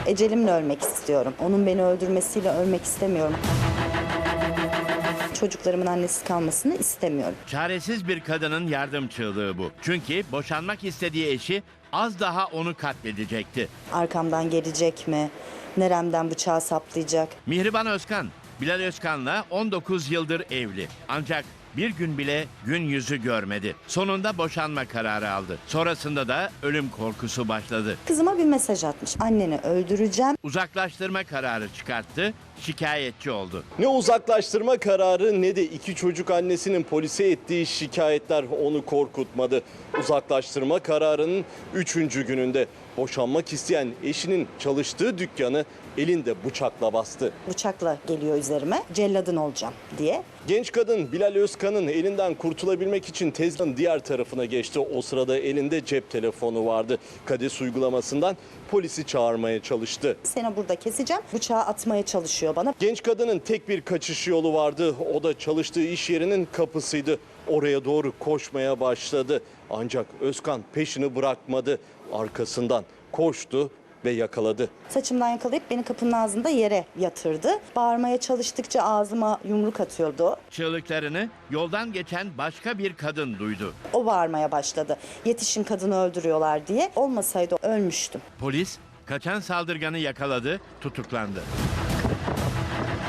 Ecelimle ölmek istiyorum. Onun beni öldürmesiyle ölmek istemiyorum. Çocuklarımın annesiz kalmasını istemiyorum. Çaresiz bir kadının yardım çığlığı bu. Çünkü boşanmak istediği eşi az daha onu katledecekti. Arkamdan gelecek mi? Neremden bıçağı saplayacak? Mihriban Özkan, Bilal Özkan'la 19 yıldır evli. Ancak bir gün bile gün yüzü görmedi. Sonunda boşanma kararı aldı. Sonrasında da ölüm korkusu başladı. Kızıma bir mesaj atmış. Anneni öldüreceğim. Uzaklaştırma kararı çıkarttı, şikayetçi oldu. Ne uzaklaştırma kararı ne de iki çocuk annesinin polise ettiği şikayetler onu korkutmadı. Uzaklaştırma kararının 3. gününde boşanmak isteyen eşinin çalıştığı dükkanı elinde bıçakla bastı. Bıçakla geliyor üzerime. Celladın olacağım diye. Genç kadın Bilal Özkan'ın elinden kurtulabilmek için tezgahın diğer tarafına geçti. O sırada elinde cep telefonu vardı. KADES uygulamasından polisi çağırmaya çalıştı. Seni burada keseceğim. Bıçağı atmaya çalışıyor bana. Genç kadının tek bir kaçış yolu vardı. O da çalıştığı iş yerinin kapısıydı. Oraya doğru koşmaya başladı. Ancak Özkan peşini bırakmadı. Arkasından koştu ve yakaladı. Saçımdan yakalayıp beni kapının ağzında yere yatırdı. Bağırmaya çalıştıkça ağzıma yumruk atıyordu. Çığlıklarını yoldan geçen başka bir kadın duydu. O bağırmaya başladı. Yetişin, kadını öldürüyorlar diye. Olmasaydı ölmüştüm. Polis kaçan saldırganı yakaladı, tutuklandı.